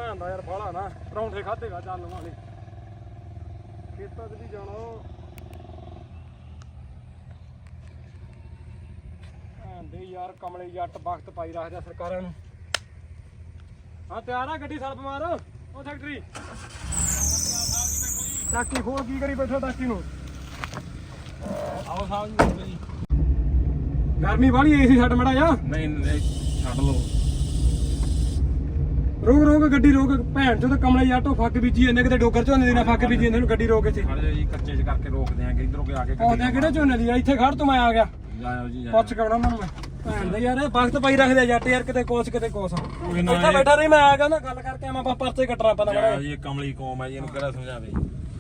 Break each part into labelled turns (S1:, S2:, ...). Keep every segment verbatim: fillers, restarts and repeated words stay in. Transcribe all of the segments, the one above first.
S1: ਭੈਣ ਦਾ ਯਾਰ ਬਾਹਲਾ ਨਾ ਪਰੌਂਠੇ ਖਾਧੇਗਾ ਚੱਲ ਵਾਲੇ ਖੇਤਾਂ 'ਚ ਵੀ ਜਾਣਾ ਭੈਣ ਦੇ ਯਾਰ ਕਮਲੇ ਜੱਟ ਵਕਤ ਪਾਈ ਰੱਖਦਾ ਸਰਕਾਰਾਂ ਨੂੰ। ਹਾਂ ਤਿਆਰ ਆ ਗੱਡੀ ਸਲਪ ਮਾਰ ਉਹ ਫੈਕਟਰੀ ਟਾਕੀ ਖੋਲ ਕੀ ਕਰੀ ਬੈਠਾ ਟਾਕੀ ਨੂੰ।
S2: ਆਓ ਸਾਹਿਬ ਜੀ
S1: ਗਰਮੀ ਵਾਲੀ ਏਸੀ ਛੱਡ ਮੜਾ ਜਾ।
S2: ਨਹੀਂ ਨਹੀਂ ਛੱਡ ਲਓ
S1: ਰੋਕ ਰੋਕ ਗੱਡੀ ਰੋਕ ਭੈਣ ਚੋਂ ਤਾਂ ਕਮਲੇ ਜੱਟੋ ਫੱਕ ਬੀਜੀ ਇਹਨੇ ਕਿਤੇ ਡੋਗਰ ਝੋਨੇ ਦੀ ਨਾ ਫੱਕ ਬੀਜੀ ਇਹਨਾਂ ਨੂੰ ਗੱਡੀ ਰੋਕ ਇੱਥੇ
S2: ਖੜ ਜਾ ਜੀ ਕੱਚੇ ਚ ਕਰਕੇ ਰੋਕਦੇ ਆਂਗੇ ਇਧਰੋਂ ਕੇ ਆ ਕੇ
S1: ਆਉਂਦੇ ਕਿਹੜੇ ਝੋਨੇ ਦੀ ਆ ਇੱਥੇ ਖੜ ਤੂੰ ਮੈਂ ਆ ਗਿਆ
S2: ਜਾਓ ਜੀ
S1: ਪੁੱਛ ਕੇ ਆਉਣਾ ਉਹਨਾਂ ਨੂੰ ਮੈਂ ਭੈਣ ਦਾ ਯਾਰ ਵਕਤ ਪਾਈ ਰੱਖਦੇ ਜੱਟ ਯਾਰ ਕਿਤੇ ਕੋਸ ਕਿਤੇ ਕੋਸ
S2: ਕੋਈ ਨਾ
S1: ਇੱਥੇ ਬੈਠਾ ਨਹੀਂ ਮੈਂ ਆ ਗਿਆ ਨਾ ਗੱਲ ਕਰਕੇ ਆਵਾਂ ਪਰਚੇ ਕੱਟਣਾ ਪੈਣਾ
S2: ਜਾਓ ਜੀ ਇਹ ਕਮਲੀ ਕੌਮ ਹੈ ਜੀ ਇਹਨੂੰ ਕਿਹੜਾ ਸਮਝਾਵੇ।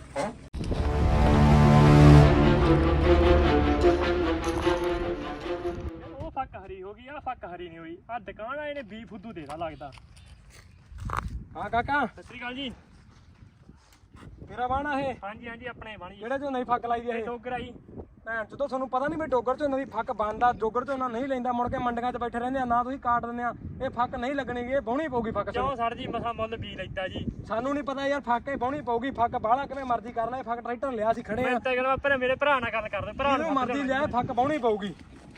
S3: ਉਹ ਫੱਕ ਹਰੀ ਹੋ ਗਈ ਆ ਫੱਕ ਹਰੀ ਨਹੀਂ ਹੋਈ ਆ ਦੁਕਾਨ ਆਏ ਨੇ ਬੀ ਫੁੱਦੂ ਦੇਦਾ ਲੱਗਦਾ।
S1: ਹਾਂ ਕਾਕਾ
S3: ਸਤਿ ਸ੍ਰੀ ਅਕਾਲ ਜੀ।
S1: ਮੇਰਾ ਬਾਣਾ ਇਹ
S3: ਹਾਂਜੀ ਹਾਂਜੀ ਆਪਣੇ ਬਣ ਜੀ
S1: ਕਿਹੜੇ ਝੋਨੇ ਦੀ ਫੱਕ ਲਾਈ ਦੀ ਇਹ
S3: ਟੋਕਰ ਆਈ
S1: ਭੈਣ ਜਦੋਂ ਤੁਹਾਨੂੰ ਪਤਾ ਨਹੀਂ ਵੀ ਡੋਗਰ ਝੋਨੇ ਦੀ ਫੱਕ ਬੰਦਾ ਡੋਗਰ ਝੋਨਾ ਨਹੀਂ ਲੈਂਦਾ ਮੁੜ ਕੇ ਮੰਡੀਆਂ 'ਚ ਬੈਠੇ ਰਹਿੰਦੇ ਆ ਨਾ ਤੁਸੀਂ ਕਾਟ ਦਿੰਦੇ ਆ ਇਹ ਫੱਕ ਨਹੀਂ ਲੱਗਣੀ ਇਹ ਬਾਉਣੀ ਪਊਗੀ ਫੱਕ
S3: ਕਿਉਂ ਸਰ ਜੀ ਮਸਾ ਮੁੱਲ ਬੀ ਲੈਤਾ ਜੀ।
S1: ਸਾਨੂੰ ਨਹੀਂ ਪਤਾ ਯਾਰ ਫੱਕ ਹੀ ਬਾਉਣੀ ਪਊਗੀ ਫੱਕ ਬਾਹਲਾ ਕਿਵੇਂ ਮਰਜ਼ੀ ਕਰ ਲੈ ਫੱਕ ਟਰੈਕਟਰ ਲਿਆ ਸੀ ਖੜੇ
S3: ਮੈਂ
S1: ਆ
S3: ਤਾਂ ਕਹਿੰਦਾ ਪਰ ਮੇਰੇ ਭਰਾ ਨਾਲ ਗੱਲ ਕਰਦੇ ਭਰਾ
S1: ਜਿਹਨੂੰ ਮਰਜ਼ੀ ਲਿਆ ਫੱਕ ਬਾਉਣੀ ਪਊਗੀ।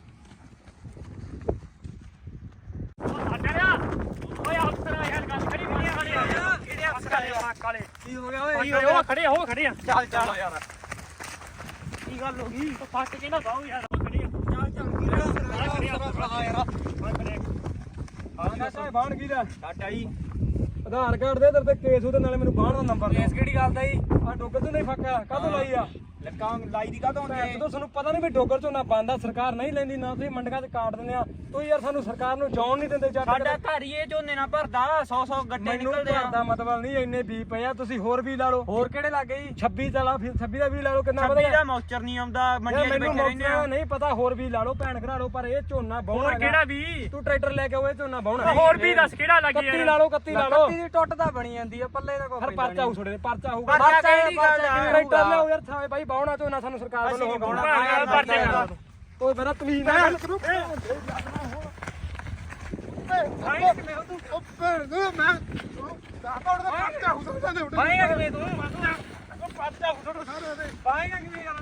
S3: ਸਾਡੇ ਆ ਓਏ ਅਫਸਰ ਆ ਯਾਰ ਗੱਲ ਕਰੀ ਨਹੀਂ ਖੜੇ ਆ ਕਿਹੜੇ ਅਫਸਰ ਆ ਫੱਕ ਵਾਲੇ
S1: ਕੀ ਹੋ ਗਿਆ ਓਏ
S3: ਉਹ ਖੜੇ ਹੋ ਖੜੇ ਆ
S1: ਚੱਲ ਚੱਲ ਯਾਰ
S3: ਕੀ ਗੱਲ ਹੋ ਗਈ ਫੱਕ ਕਿਹਨਾਂ ਬਾਹੂ ਯਾਰ ਖੜੇ ਆ ਚੱਲ ਚੱਲ ਖੜੇ ਆ
S1: ਹਾਂ ਯਾਰ
S3: ਖੜੇ
S1: ਹਾਂ ਕਾਕਾ ਬਾਣ ਕੀ ਦਾ
S2: ਸਾਡਾ ਜੀ
S1: ਆਧਾਰ ਕਾਰਡ ਦੇ ਤੇਰੇ ਤੇ ਕੇਸ ਉਹਦੇ ਨਾਲੇ ਮੈਨੂੰ ਬਾਣ ਦਾ ਨੰਬਰ ਦੇ
S2: ਕੇਸ ਕਿਹੜੀ ਗੱਲ ਦਾ ਜੀ
S1: ਆ ਡੋਗਰ ਝੋਨੇ ਫੱਕ ਆ ਕਾਹਤੋਂ ਲਾਈ ਆ
S2: ਲੱਕਾਂ ਲਾਈ ਦੀ ਕਾਹਤੋਂ
S1: ਭੈਣ ਜਦੋਂ ਤੁਹਾਨੂੰ ਪਤਾ ਨਹੀਂ ਵੀ ਡੋਗਰ ਝੋਨਾ ਬੰਦਾ ਸਰਕਾਰ ਨਹੀਂ ਲੈਂਦੀ ਨਾ ਤੁਸੀਂ ਮੰਡੀਆਂ 'ਚ ਕਾਟ ਦਿੰਦੇ ਆ ਤੁਸੀਂ ਯਾਰ ਸਾਨੂੰ ਸਰਕਾਰ ਨੂੰ ਜਾਣ ਨਹੀਂ ਦਿੰਦੇ ਜੱਟ
S2: ਸਾਡਾ ਘਰ ਹੀ ਇਹ ਝੋਨੇ ਨਾਲ ਭਰਦਾ ਸੌ ਸੌ ਗੱਡੇ
S1: ਮੈਨੂੰ
S2: ਨਿਕਲਦੇ ਆ
S1: ਦਾ ਮਤਲਬ ਨਹੀਂ ਇੰਨੇ ਬੀ ਪਏ ਆ ਤੁਸੀਂ ਹੋਰ ਵੀ ਲਾ ਲਓ
S2: ਹੋਰ ਕਿਹੜੇ ਲੱਗੇ ਜੀ
S1: ਛੱਬੀ ਚਲਾ ਫਿਰ ਛੱਬੀ ਦਾ ਵੀ ਲਾ ਲਓ ਕਿੰਨਾ
S2: ਛੱਬੀ
S1: ਵਧਿਆ
S2: ਦਾ ਮੌਸਚਰ ਨਹੀਂ ਆਉਂਦਾ ਮੰਡੀਆਂ 'ਚ
S1: ਮੈਨੂੰ
S2: ਬੈਠੇ ਰਹਿੰਦੇ ਆ
S1: ਮੌਕਾ ਨਹੀਂ ਪਤਾ ਹੋਰ ਵੀ ਲਾ ਲਓ ਭੈਣ ਘਰਾ ਲਓ ਪਰ ਇਹ ਝੋਨਾ ਬਾਉਣਾ
S3: ਹੋਰ ਕਿਹੜਾ ਵੀ
S1: ਤੂੰ ਟਰੈਕਟਰ ਲੈ ਕੇ ਆਓ ਇਹ ਝੋਨਾ ਬਾਉਣਾ
S3: ਹੋਰ ਵੀ ਦੱਸ ਕਿਹੜਾ ਲੱਗੀ
S1: ਕੱਤੀ ਲਾ ਲਓ ਕੱਤੀ ਲਾ ਲਓ
S2: ਕੱਤੀ ਦੀ ਟੁੱਟ ਤਾਂ ਬਣੀ ਜਾਂਦੀ ਆ ਪੱਲੇ ਦਾ ਕੋਈ
S1: ਫਿਰ ਪਰਚਾ ਹੋਊ ਛੋੜੇ ਪਰਚਾ ਹੋਊਗਾ
S2: ਪਰਚਾ ਕਿਹੜੀ ਗੱਲ ਆ?
S1: ਟਰੈਕਟਰ ਲਿਆਓ ਯਾਰ ਥਾਵੇਂ ਬਾਈ ਬਾਉਣਾ ਝੋਨਾ ਸਾਨੂੰ ਸਰਕਾਰ ਵੱਲੋਂ
S2: ਬਾਉਣਾ।
S3: ਪਰਚੇ
S1: ਓਏ ਮੇਰਾ ਤਮੀਜ਼ ਨਾਲ ਗੱਲ ਕਰੋ
S2: ਪਾਏਗਾ ਕਿਵੇਂ ਤੂੰ ਪਾਏਗਾ ਕਿਵੇਂ ਯਾਰ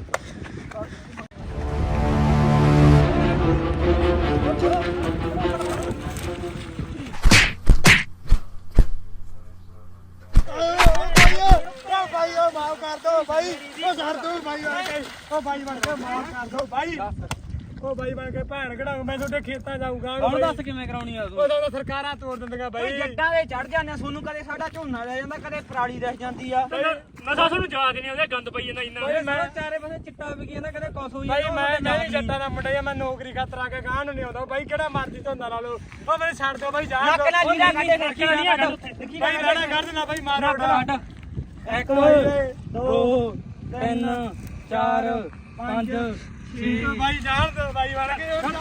S1: ਮਾਫ ਕਰ ਦੋ ਬਾਈ ਉਹ ਛੱਡ ਦੋ ਬਾਈ ਬਣ ਕੇ ਉਹ ਬਾਈ ਬਣ ਕੇ ਮਾਫ ਕਰ ਦੋ ਬਾਈ ਉਹ ਬਾਈ ਬਣ ਕੇ ਭੈਣ ਕਢਾਉਂ ਮੈਂ ਤੁਹਾਡੇ ਖੇਤਾਂ ਜਾਊਂਗਾ
S2: ਹੁਣ ਦੱਸ ਕਿਵੇਂ ਕਰਾਉਣੀ ਆ ਤੂੰ
S1: ਉਦੋਂ ਤਾਂ ਸਰਕਾਰਾਂ ਤੋੜ ਦਿੰਦੀਆਂ ਬਾਈ
S2: ਜੱਟਾਂ ਦੇ ਚੜ ਜਾਂਦੇ ਆ ਤੁਹਾਨੂੰ ਕਦੇ ਸਾਡਾ ਝੋਨਾ ਲੈ ਜਾਂਦਾ ਕਦੇ ਪਰਾਲੀ ਰਹਿ ਜਾਂਦੀ ਆ
S3: ਮਸਾ ਤੁਹਾਨੂੰ ਯਾਦ ਨਹੀਂ ਆਉਂਦਾ ਗੰਦ ਪਈ ਜਾਂਦਾ ਇੰਨਾ
S1: ਬਾਈ ਮੈਂ
S2: ਚਾਰੇ ਪਾਸੇ ਚਿੱਟਾ ਵਿਕੀ ਜਾਂਦਾ ਕਦੇ ਕੁਛ ਹੋਈ
S1: ਬਾਈ ਮੈਂ ਨਹੀਂ ਜੱਟਾਂ ਦਾ ਮੁੰਡਾ ਜਾਂ ਮੈਂ ਨੌਕਰੀ ਖਾਤਰ ਆ ਕੇ ਗਾਂ ਨੂੰ ਨਹੀਂ ਆਉਂਦਾ ਬਾਈ ਕਿਹੜਾ ਮਰਜ਼ੀ ਧੰਦਾ ਲਾ ਲਓ ਉਹ ਮੈਨੂੰ ਛੱਡ ਦਿਓ ਬਾਈ ਜਾਣ
S2: ਨੱਕ ਨਾਲ ਲੀੜਾ ਕੱਢੇ ਫਿਰ ਕੀ
S3: ਨਹੀਂ ਹੈਗਾ
S2: ਕੀ
S1: ਬਾਈ ਲੈਣਾ ਕੱਢ ਦੇਣਾ ਬਾਈ ਮਾਰ
S2: ਕੱਢ ਇੱਕ ਦੋ ਤਿੰਨ ਚਾਰ ਪੰਜ ਛੇ
S1: ਬਾਈ ਜਾਣ ਦਿਓ ਬਾਈ ਬਣ ਕੇ ਉਹ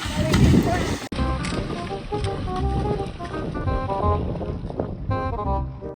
S1: ਜਾਣ ਦਿਓ